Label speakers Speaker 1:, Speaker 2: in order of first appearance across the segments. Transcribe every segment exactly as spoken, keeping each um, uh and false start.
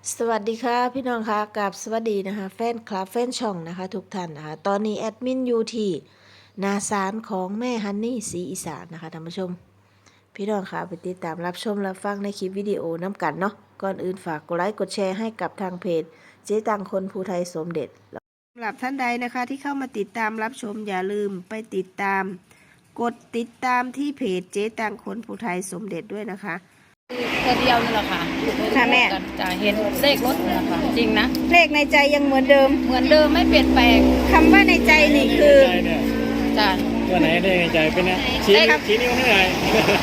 Speaker 1: สวัสดีค่ะพี่น้องค่ะกับสวัสดีนะคะแฟนคลับแฟนช่องนะคะทุกท่านนะคะตอนนี้แอดมินอยู่ที่นาสารของแม่ฮันนี่ศรีอีสานนะคะท่านผู้ชมพี่น้องค่ะไปติดตามรับชมรับฟังในคลิปวิดีโอน้ำกันเนาะก่อนอื่นฝากกดไลค์กดแชร์ให้กับทางเพจเจ๊ตังคนภูไทยสมเด็จสำหรับท่านใดนะคะที่เข้ามาติดตามรับชมอย่าลืมไปติดตามกดติดตามที่เพจเจ๊ตังคนภูไทยสมเด็จด้วยนะคะ
Speaker 2: ตัวเดียวนี่แหละค่ะ
Speaker 1: ค่ะแม่
Speaker 2: จะเห็นเลขรถนี่แหละค่ะจริงนะ
Speaker 1: เลขในใจยังเหมือนเดิม
Speaker 2: เหมือนเดิมไม่เปลี่ยนแปลง
Speaker 1: คำว่าในใจนี่คือ
Speaker 2: จ้ะ
Speaker 3: ตัวไหนได้ในใจเป็นเนี่ยชี้ชี้นิ้วให้หน่อย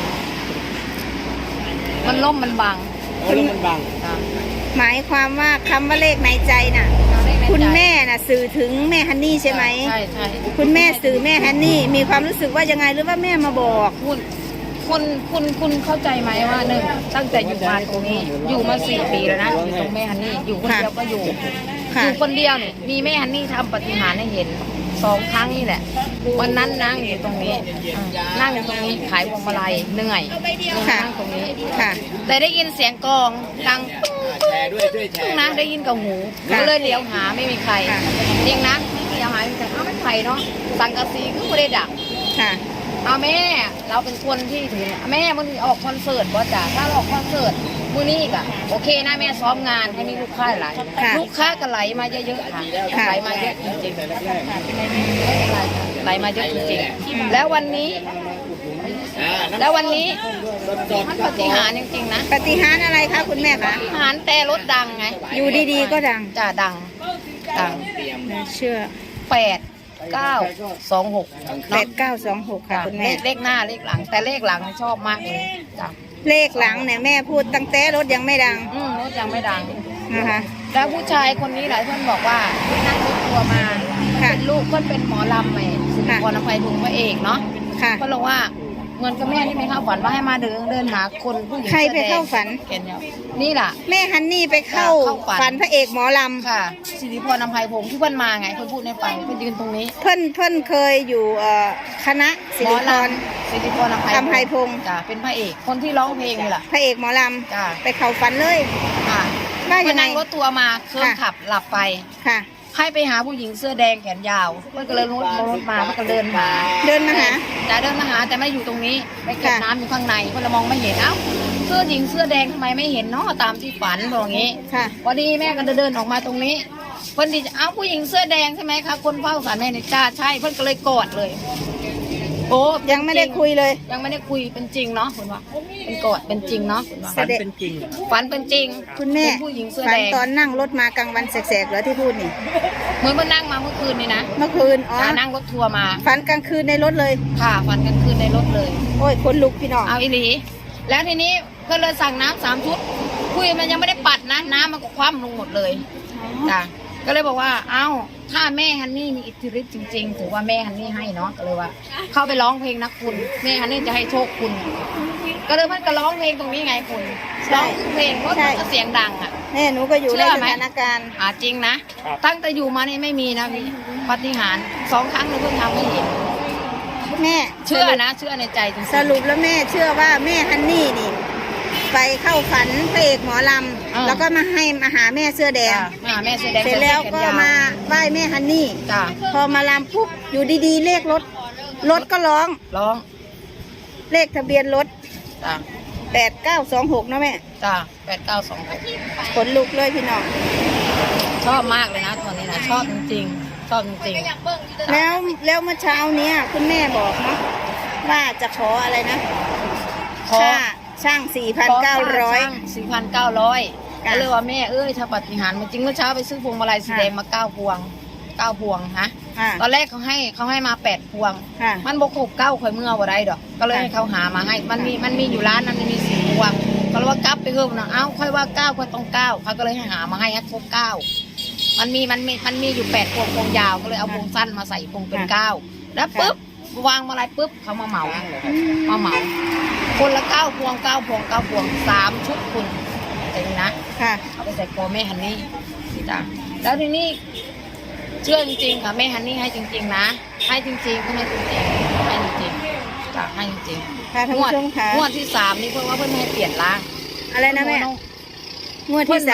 Speaker 2: มันล่มมันบัง
Speaker 3: โอ้แล้วมันบัง
Speaker 1: หมายความว่าคำว่าเลขในใจน่ะคุณแม่น่ะสื่อถึงแม่ฮันนี่ใช่ไหม
Speaker 2: ใช่ใช่
Speaker 1: คุณแม่สื่อแม่ฮันนี่มีความรู้สึกว่ายังไงหรือว่าแม่มาบอก
Speaker 2: คุณคุณคุณคุณเข้าใจไหมว่าหนึ่งตั้งแต่อยู่มาตรงนี้อยู่มาสี่ปีแล้วนะอยู่ตรงแม่ฮันนี่อยู่คนเดียวก็อยู่อยู่คนเดียวเนี่ยมีแม่ฮันนี่ทำปฏิหารให้เห็นสองครั้งนี่แหละวันนั้นนั่งอยู่ตรงนี้นั่งอยู่ตรงนี้ขายพวงมาลัยเหนื่อยนั่งตรงนี้
Speaker 1: ค่ะ
Speaker 2: แต่ได้ยินเสียงกลองดังตึ้งนะได้ยินกับหูก็เลยเลี้ยวหาไม่มีใครจริงนะไม่เลี้ยวหาไม่มีใครอ้าวไม่ใครเนาะสังกะสีก็ไม่ได้ดัก
Speaker 1: ค่ะ
Speaker 2: เอาแม่เราเป็นคนที่ถือแม่มันออกคอนเสิร์ตว่าจ้ะถ้าออกคอนเสิร์ตมื้อนี้ก็โอเคนะแม่ซ้อมงานให้มีลูกค้าหลายลูกค้าก็ไหลมาเยอะๆค่ะไหลมาเยอะจริงๆไหลมาเยอะจริงๆแล้ววันนี้แล้ววันนี้มันปฏิหารจริงๆนะ
Speaker 1: ปฏิหารอะไรคะคุณแม่คะ
Speaker 2: ปฏิหารแต่รถดังไง
Speaker 1: อยู่ดีๆก็ดัง
Speaker 2: จ้ะดังดัง
Speaker 1: เชื่อ
Speaker 2: แปดเก้าสองหก
Speaker 1: แปดเก้าสองหกค่ะคุณแม่
Speaker 2: เลขหน้าเลขหลังแต่เลขหลังชอบมากเลยจ้ะ
Speaker 1: เลขหลังเนี่ยแม่พูดตั้งแต่รถยังไม่ดัง
Speaker 2: อืมรถยังไม่ดัง
Speaker 1: นะคะ
Speaker 2: แล้วผู้ชายคนนี้หลายคนบอกว่านั่งรถทัวร์มาเป็นลูกก็เป็นหมอลำใหม่สุนทรภัยทุงพระเอกเนาะก็บอกว่าเหมือนกับแม่ที่ไม่เข้าฝันว่าให้มาเดินเดินหาคนผู้หญิง
Speaker 1: ใครไปเข้าฝัน
Speaker 2: เห็นเนี่ยนี่แหละ
Speaker 1: แม่ฮันนี่ไปเข้าฝันพระเอกหมอลำ
Speaker 2: ค่ะสิริพรอภัยพงศ์ที่เพิ่นมาไงเพิ่นพูดในฝันเพิ่นยืนตรงนี้
Speaker 1: เพิ่นเพิ่นเคยอยู่คณะสิริพร
Speaker 2: สิริพรอภัยพงศ์จ้ะเป็นพระเอกคนที่ร้องเพลงนี่แหละ
Speaker 1: พระเอกหมอลำจ้ะไปเข้าฝันเลย
Speaker 2: ค่ะว่านั่งรถทัวร์มาเครื่องขับหลับไปค่ะให้ไปหาผู้หญิงเสื้อแดงแขนยาวเพื่อนก็เลยรถรถมาเพื่อนก็เดินมา
Speaker 1: เดินมาหา
Speaker 2: จะเดินมาหาแต่ไม่อยู่ตรงนี้ไปเก็บน้ำอยู่ข้างในเพื่อนมองไม่เห็นเอ้าเสื้อหญิงเสื้อแดงทำไมไม่เห็นเนาะตามที่ฝันบอกงี้ค่ะพอดีแม่ก็เดินออกมาตรงนี้เพื่อนดีเอ้าผู้หญิงเสื้อแดงใช่ไหมคะคนเฝ้าศาลแม่เนี่ยจ้าใช่เพื่อนก็เลยกอดเลยโอ้
Speaker 1: ยังไม่ได้คุยเลย
Speaker 2: ยังไม่ได้คุยเป็นจริงเนาะคุณว่าเป็นกอดเป็นจริงเนาะ
Speaker 3: ฝันเป็นจริง
Speaker 2: ฝันเป็นจริง
Speaker 1: คุณแม่
Speaker 2: ผู้หญิงเสื้อ
Speaker 1: แด
Speaker 2: ง
Speaker 1: ตอนนั่งรถมากลางวันแสกๆเหรอที่พูดนี่
Speaker 2: เหมือนเมื่อนั่งมาเมื่อคืนนี่นะ
Speaker 1: เมื่อคืนอ๋อ
Speaker 2: นั่งรถทัวร์มา
Speaker 1: ฝันกลางคืนในรถเลย
Speaker 2: ค่ะฝันกลางคืนในรถเลย
Speaker 1: โอ้ยคนลุกพี่น้อง
Speaker 2: เอาอีหลีแล้วทีนี้ก็เลยสั่งน้ำสามชุดคุยมันยังไม่ได้ปัดนะน้ำมันก็คว่ำลงหมดเลยจ้ะก็เลยบอกว่าเอ้าถ้าแม่ฮันนี่มีอิทธิฤทธิ์จริงๆถือว่าแม่ฮันนี่ให้เนาะก็เลยว่าเข้าไปร้องเพลงนะคุณแม่ฮันนี่จะให้โชคคุณก็เลยมันก็ร้องเพลงตรงนี้ไงคุณร้องเพลงเพราะก็เสียงดังอ่ะ
Speaker 1: แม่หนูก็อยู่ในสถานการณ์
Speaker 2: อ่าจริงนะตั้งแต่อยู่มานี่ไม่มีนะพี่ปาฏิหาริย์สองครั้งเลยเพิ่งทำไม่เห็น
Speaker 1: แม่
Speaker 2: เชื่อนะเชื่อในใจจริง
Speaker 1: สรุปแล้วแม่เชื่อว่าแม่ฮันนี่นี่ไปเข้าฝันพระเอกหมอลำแล้วก็มาให้มาหาแม่เสื้อแดง
Speaker 2: มาหาแม่เสื้อแดง
Speaker 1: เสร็จแล้วก็มาไหว้แม่ฮันนี่พอมาลำปุ๊บอยู่ดีๆเลขรถรถก็ร้อง
Speaker 2: ร้อง
Speaker 1: เลขทะเบียนรถแปดเก้าสองหกนะแม่
Speaker 2: จ้าแปดเก้าสองหก
Speaker 1: ขนลุกเลยพี่น้อง
Speaker 2: ชอบมากเลยนะตัวนี้นะชอบจริงๆชอบจริง
Speaker 1: ๆแล้วแล้วเมื่อเช้านี้คุณแม่บอกเนาะว่าจะขออะไรนะขอช่างสี่พันเก้าร้อย
Speaker 2: สี่พันเก้าร้อยก็เลยว่าแม่เอ้ยถ้าปฏิหารมันจริงเมื่อเช้าไปซื้อพวงมาลัยสีแดงมาเก้าพวงเก้าพวงฮะตอนแรกเขาให้เขาให้มาแปดพวงมันบกหกเก้าข่อยเมื่อวันใดดอกก็เลยให้เขาหามาให้มันมีมันมีอยู่ร้านนั้นมีสี่พวงก็เลยว่ากลับไปเพิ่มนะเอ้าค่อยว่าเก้าค่อยต้องเก้าเขาก็เลยให้หามาให้ครบเก้ามันมีมันมีมันมีอยู่แปดพวงพวงยาวก็เลยเอาพวงสั้นมาใส่พวงเป็นเก้าแล้วปุ๊บวางมาอะไรปุ๊บเขามาเหมามาเหมาคนละเก้าพวงเก้าพวงเก้าพวงสามชุดคุณแต่นี่นะค่ะเอาไปใส่คอแม่ฮันนี่จ้ะแล้วทีนี้เชื่อจริงๆค่ะแม่ฮันนี่ให้จริงๆนะให้จริงๆก็ให้จริงๆให้จริงๆจ้ะให้จริง
Speaker 1: ๆงวด
Speaker 2: งวดที่สามนี่เพิ่งว่าเพิ่งให้เปลี่ยนร่าง
Speaker 1: อะไรนะแม่งวดที่สาม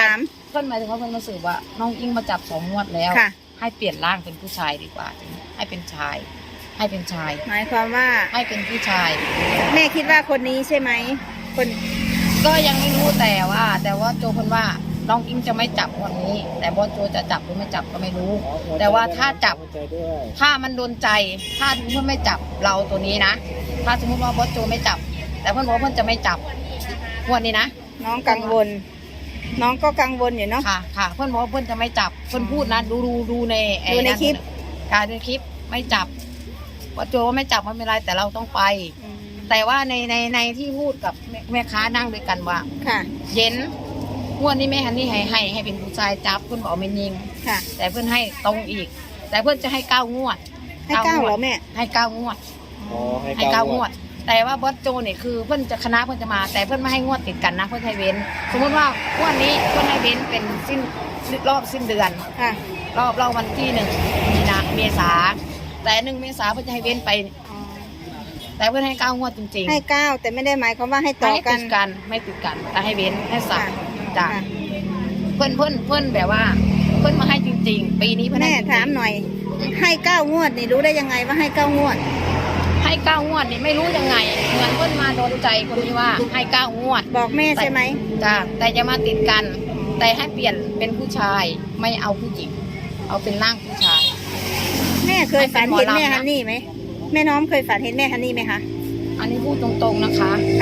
Speaker 2: เพิ่นหมายถึงว่าเพิ่นมาสืบว่าน้องอิงมาจับสองงวดแล้ว
Speaker 4: ค่ะ
Speaker 2: ให้เปลี่ยนร่างเป็นผู้ชายดีกว่า ให้เป็นชาย ให้เป็นชาย
Speaker 4: หมายความว่า
Speaker 2: ให้เป็นผู้ชาย
Speaker 4: แม่คิดว่าคนนี้ใช่ไหมคน
Speaker 2: ก็ยังไม่รู้แต่ว่า แต่ว่าโจคนว่าน้องอิงจะไม่จับวันนี้ แต่บอสโจจะจับหรือไม่จับก็ไม่รู้ แต่ว่าถ้าจับ ถ้ามันโดนใจ ถ้าสมมติไม่จับเราตัวนี้นะ ถ้าสมมติว่าบอสโจไม่จับ แต่เพื่อนบอกว่าเพื่อนจะไม่จับงวันนี้นะ
Speaker 4: น้องกังวล น้องก็กังวลอยู่เนาะ
Speaker 2: ค่ะ ค่ะ เพื่อนบอกว่าเพื่อนจะไม่จับ เพื่อนพูดนะ ดูดูดูในไอ้
Speaker 4: ดูในคลิป
Speaker 2: การดูในคลิป ไม่จับบอสโจว่าไม่จับไม่เป็นไรแต่เราต้องไป
Speaker 4: อืม
Speaker 2: แต่ว่าในในในที่พูดกับแม่แม่ค้านั่งด้วยกันว่า
Speaker 4: ค่ะ
Speaker 2: เย็นงวดนี้แม่ฮันนี่ให้ให้ให้เป็นผู้ชายจับเพื่อนบอกไม่ยิง
Speaker 4: ค่ะ
Speaker 2: แต่เพื่อนให้ตรงอีก แต่เพื่อนจะให้เก้างวด
Speaker 4: ให้เก้าเหรอแม่
Speaker 2: ให้เก้างวด
Speaker 3: อ๋อ
Speaker 2: ให้เก้างวด แต่ว่าบอสโจเนี่ยคือเพื่อนจะคณะเพื่อนจะมา แต่เพื่อนไม่ให้งวดติดกันนะเพื่อนให้เว้น สมมติว่างวดนี้เพื่อนให้เว้นเป็นสิ้นรอบสิ้นเดือน
Speaker 4: ค่ะ
Speaker 2: รอบรอบวันที่หนึ่งมีนาเมษาแต่หนึ่งเมษาเพื่อนจะให้เว้นไป
Speaker 4: อ๋อ
Speaker 2: แต่เพื่อนให้เก้างวดจริงๆ
Speaker 4: ให้เก้าแต่ไม่ได้หมายความว่าให้ต่อ
Speaker 2: ไม่
Speaker 4: กั
Speaker 2: ติ
Speaker 4: น
Speaker 2: ดกันไม่ติดกันแต่ให้เว้นให้สั
Speaker 4: ค่ะ
Speaker 2: บจ้ะ
Speaker 4: ค่ะ
Speaker 2: เพื่อนเพื่อนเพื่อนแบบว่า เพื่อนมาให้จริง ๆ ปีนี้เพื่อน
Speaker 4: แม่
Speaker 2: ให้จริงๆ
Speaker 4: ถามหน่อย ให้เก้างวดนี่รู้ได้ยังไงว่าให้เก้างวด
Speaker 2: ให้เก้างวดนี่ไม่รู้ยังไง เหมือนเพื่อนมาโดนใจคนนี้ว่าให้เก้างวด
Speaker 4: บอกแม่ใช่ไหม
Speaker 2: จ้ะแต่จะมาติดกัน แต่ให้เปลี่ยนเป็นผู้ชายไม่เอาผู้หญิง เอาเป็นร่างผู้ชาย
Speaker 4: แม่เคยฝันเห็น
Speaker 2: ให้เป็นหมอลำนะ
Speaker 4: แม่ฮันนี่ไหมแม่น้อมเคยฝันเห็นแม่ฮันนี่ไหมคะ
Speaker 2: อันนี้พูดตรงๆนะคะ
Speaker 4: ค่ะ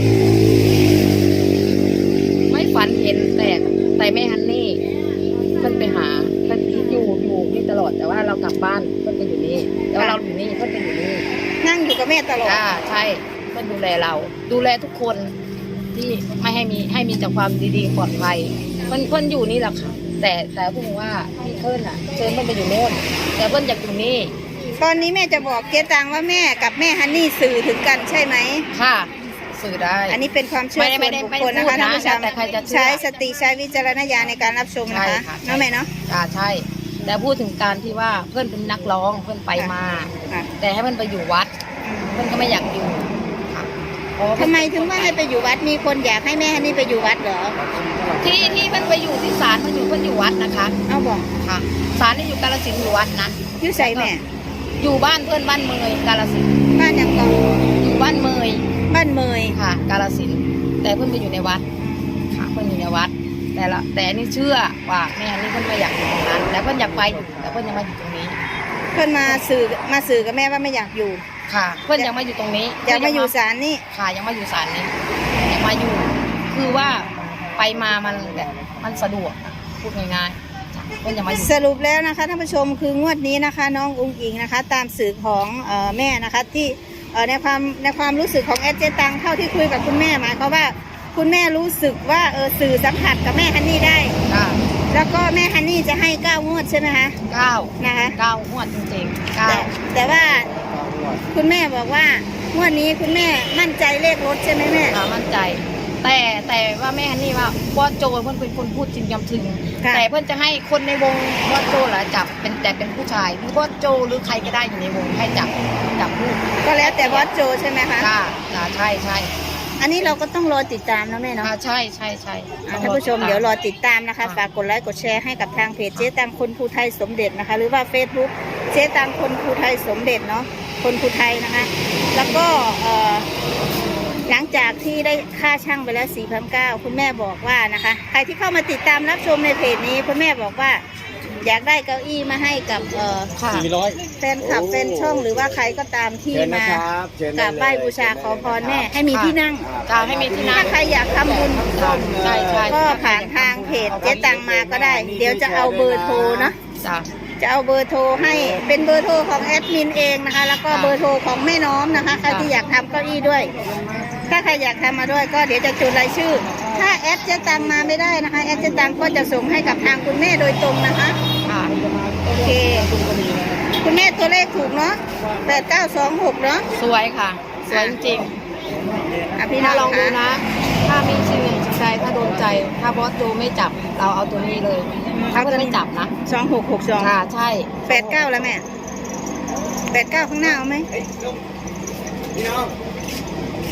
Speaker 2: ไม่ฝันเห็นแต่แต่แม่ฮันนี่เพื่อนไปหาเพื่อนอยู่อยู่นี่ตลอดแต่ว่าเรากลับบ้านเพื่อนไปอยู่นี่แล้วเราอยู่นี่เพื่อนไปอยู่นี่
Speaker 4: นั่งอยู่กับแม่ตลอด
Speaker 2: จ้าใช่เพื่อนดูแลเรา ดูแลทุกคนที่ไม่ให้มีให้มีแต่ความดีๆปลอดภัยเพื่อนเพื่อนอยู่นี่แหละค่ะ แต่แต่เพื่อนว่าพี่เพื่อนอ่ะเชิญเพื่อนไปอยู่โน่นแต่เพื่อนอยากอยู่นี่
Speaker 4: ตอนนี้แม่จะบอกเจ๊ตังว่าแม่กับแม่ฮันนี่สื่อถึงกันใช่ไหม
Speaker 2: ค่ะ สื่อได้
Speaker 4: อันนี้เป็นความเชื่อ
Speaker 2: ไม่
Speaker 4: ส่
Speaker 2: ได้
Speaker 4: วนบุค
Speaker 2: ไม่
Speaker 4: ค
Speaker 2: ได้
Speaker 4: ลนะคะ
Speaker 2: ไม่ได้
Speaker 4: ท่านผู้ชม
Speaker 2: แต่ใครจะเชื่อ
Speaker 4: ใช้สติใช้วิจารณญาณในการรับชมนะคะ
Speaker 2: ใช่ค่ะ
Speaker 4: เนาะแม่เนาะ
Speaker 2: อ่าใช่ แต่พูดถึงการที่ว่าเพื่อนเป็นนักร้องเพื่อนไปมา
Speaker 4: ค่ะ
Speaker 2: แต่ให้เพื่อนไปอยู่วัด เพื่อนก็ไม่อยากอยู่ค่ะเพราะว่า
Speaker 4: ทำไมถึงว่าให้ไปอยู่วัดมีคนอยากให้แม่ฮันนี่ไปอยู่วัดเหรอ
Speaker 2: ที่ที่เพื่อนไปอยู่ที่ศาลเพื่อนอยู่เพื่อนอยู่วัดนะคะ
Speaker 4: เอาบอก
Speaker 2: ค่ะศาลนี่อยู่กาฬสินธุ์อยู่วัดนะ
Speaker 4: อยุ่ใส่แม่
Speaker 2: อยู่บ้านเพื่อนบ้านเมยกาฬสินธุ์
Speaker 4: บ้านอย่างก่อน
Speaker 2: อยู่บ้านเมย
Speaker 4: บ้านเมย
Speaker 2: ค่ะ กาฬสินธุ์แต่เพื่อนไปอยู่ในวัดค่ะเพื่อนอยู่ในวัด แต่ละแต่อันนี่เชื่อว่าแม่อันนี้เพื่อนไม่อยากอยู่ตรงนั้นแต่เพื่อนอยากไปอยู่แต่เพื่อนยังมาอยู่ตรงนี้
Speaker 4: เพื่อนมาสื่อมาสื่อกับแม่ว่าไม่อยากอยู่
Speaker 2: ค่ะ เพื่อนยังมาอยู่ตรงนี้
Speaker 4: อยากมาอยู่ศาลนี่
Speaker 2: ค่ะยังมาอยู่ศาลนี้ยังมาอยู่ คือว่าไปมามันแบบมันสะดวกอะพูดง่ายๆจ้ะเพื่อนยังมาอยู่
Speaker 4: สรุปแล้วนะคะท่านผู้ชมคืองวดนี้นะคะ น้องอุ้งอิงนะคะ ตามสื่อของเอ่อแม่นะคะที่เอ่อในความในความรู้สึกของแอดเจตังเท่าที่คุยกับคุณแม่หมายความว่าคุณแม่รู้สึกว่าเออสื่อสัมผัสกับแม่ฮันนี่ได้
Speaker 2: ค่ะ
Speaker 4: แล้วก็แม่ฮันนี่จะให้เก้างวดใช่ไหมคะ
Speaker 2: เก้า
Speaker 4: นะคะ
Speaker 2: เก้างวดจริงๆเก้า
Speaker 4: แต่แต่ว่าคุณแม่บอกว่างวดนี้คุณแม่มั่นใจเลขรถใช่ไหมแม่
Speaker 2: ค่ะมั่นใจ แต่แต่ว่าแม่ฮันนี่ว่าบอสโจเพื่อนเป็นคนพูดจริงยำถึง
Speaker 4: ค่ะ
Speaker 2: แต่เพื่อนจะให้คนในวงบอสโจเหรอจับเป็นแต่เป็นผู้ชายหรือบอสโจหรือใครก็ได้อยู่ในวงให้จับจับลูก
Speaker 4: ก็แล้วแต่บอสโจใช่ไหมคะ
Speaker 2: ค่ะค่ะใช่ใช่
Speaker 4: อันนี้เราก็ต้องรอติดตามนะแม่เนาะ
Speaker 2: ค่ะใช่ใช่ใช่
Speaker 4: อ่ะท่านผู้ชมเดี๋ยวรอติดตามนะคะ
Speaker 2: ค่ะ
Speaker 4: ฝากกดไลค์กดแชร์ให้กับทางเพจเจ๊ตังคนภูไทยสมเด็จนะคะ หรือว่า Facebook เจ๊ตังคนภูไทยสมเด็จเนาะคนภูไทยนะคะ แล้วก็เอ่อหลังจากที่ได้ค่าช่างไปแล้ว สี่พันเก้าร้อย คุณแม่บอกว่านะคะ ใครที่เข้ามาติดตามรับชมในเพจนี้คุณแม่บอกว่า อยากได้เก้าอี้มาให้กับเอ่อ
Speaker 2: ค่ะ
Speaker 3: สี่ร้อย
Speaker 4: แฟนคลับแฟนช่องหรือว่าใครก็ตามที่
Speaker 3: เชิญนะ
Speaker 4: มา
Speaker 3: ครับเชิญ
Speaker 4: ก
Speaker 3: ได้
Speaker 4: ราบ
Speaker 3: เลย
Speaker 4: ไหว้บูชาขอพรแม่ให้มีที่นั่ง
Speaker 2: ค่ะให้มีที่นั่ง
Speaker 4: ถ้าใครอยากทำบุญ
Speaker 2: ใช่ใช่
Speaker 4: ก็ผ่านทางเพจเจ๊ตังมาก็ได้ เดี๋ยวจะเอาเบอร์โทรเนาะ
Speaker 2: จ้ะ
Speaker 4: จะเอาเบอร์โทรให้เป็นเบอร์โทรของแอดมินเองนะคะ แล้วก็
Speaker 2: ค่ะ
Speaker 4: เบอร์โทรของแม่น้อมนะคะใครที่อยากทำเก้าอี้ด้วย ถ้าใครอยากทำมาด้วยก็เดี๋ยวจะจดรายชื่อ ถ้าแอดเจ๊ตังมาไม่ได้นะคะแอดเจ๊ตังก็จะส่งให้กับทางคุณแม่โดยตรงนะคะ
Speaker 2: ค่ะ
Speaker 4: โอเค คุณแม่ตัวเลขถูกเนาะแปดเก้าสองหกเนาะ
Speaker 2: สวยค่ะ สวยจริง
Speaker 4: อ่ะ
Speaker 2: ๆ
Speaker 4: พี่น้
Speaker 2: ถ้า
Speaker 4: อง
Speaker 2: ลองดู
Speaker 4: คะ
Speaker 2: นะ ถ้ามีสิ่งหนึ่งสิ่งใดถ้าโดนใจ ถ้าบอสโจไม่จับเราเอาตัวนี้เลย ถ้าเพื่อนไม่จับนะ
Speaker 4: สองหกหกสอง
Speaker 2: ค่ะใช่
Speaker 4: แปดเก้าแล้วแม่แปดเก้าข้างหน้าเอาไหม
Speaker 3: พี่น้อง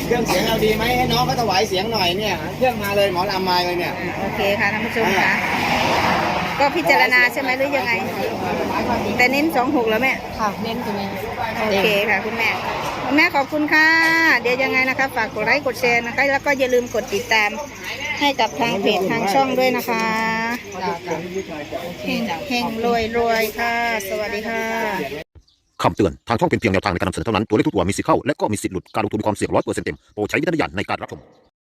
Speaker 5: เครื่องเสียงเราดีไหมให้น้องเขาถวายเสียงหน่อยเนี่ยเครื่องมาเลยหมอลำมาเลยเนี่ย
Speaker 4: อ่าโอเคค่ะท่านผู้ชมค่ะก็พิจารณาใช่ไหมหรือยังไง แต่เน้นสองหกแล้วแม่
Speaker 2: ค่ะเน้นตัวนี้
Speaker 4: โอเคค่ะคุณแม่คุณแม่ขอบคุณค่ะ เดี๋ยวยังไงนะคะฝากกดไลค์กดแชร์นะคะ แล้วก็อย่าลืมกดติดตามให้กับทางเพจทางช่องด้วยนะคะเฮงเฮงรวยรวยค่ะ สวัสดีค่ะ
Speaker 6: คำเตือน ทางช่องเป็นเพียงแนวทางในการนำเสนอเท่านั้น ตัวเลขทุกตัวมีสิทธิ์เข้า และก็มีสิทธิ์หลุด การลงทุนมีความเสี่ยงร้อยเปอร์เซ็นต์เต็ม โปรดใช้วิจารณญาณในการรับชม